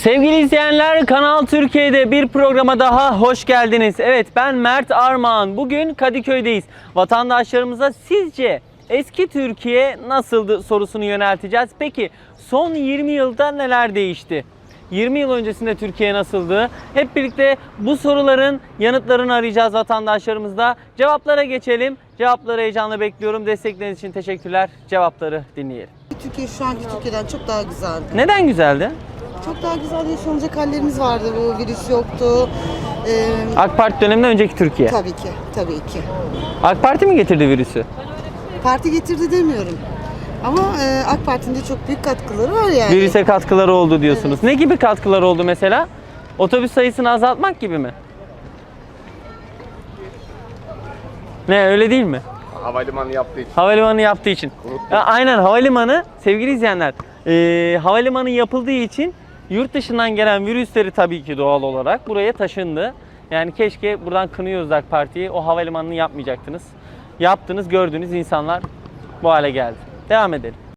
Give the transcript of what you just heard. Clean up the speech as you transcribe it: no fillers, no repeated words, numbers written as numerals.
Sevgili izleyenler, Kanal Türkiye'de bir programa daha hoş geldiniz. Evet, ben Mert Armağan. Bugün Kadıköy'deyiz. Vatandaşlarımıza sizce eski Türkiye nasıldı sorusunu yönelteceğiz. Peki son 20 yılda neler değişti? 20 yıl öncesinde Türkiye nasıldı? Hep birlikte bu soruların yanıtlarını arayacağız vatandaşlarımızda. Cevaplara geçelim. Cevapları heyecanla bekliyorum. Destekleriniz için teşekkürler. Cevapları dinleyelim. Türkiye şu anki Türkiye'den çok daha güzeldi. Neden güzeldi? Çok daha güzel yaşanacak hallerimiz vardı. Bu virüs yoktu. AK Parti döneminden önceki Türkiye. Tabii ki, tabii ki. AK Parti mi getirdi virüsü? Parti getirdi demiyorum. Ama AK Parti'nin de çok büyük katkıları var yani. Virüse katkıları oldu diyorsunuz. Ne gibi katkıları oldu mesela? Otobüs sayısını azaltmak gibi mi? Ne, öyle değil mi? Havalimanı yaptığı için. Havalimanı yaptığı için. Ya, aynen, havalimanı sevgili izleyenler. Havalimanı yapıldığı için yurt dışından gelen virüsleri tabii ki doğal olarak buraya taşındı. Yani keşke, buradan kınıyoruz AK Parti'yi, o havalimanını yapmayacaktınız. Yaptınız, gördüğünüz insanlar bu hale geldi. Devam edelim.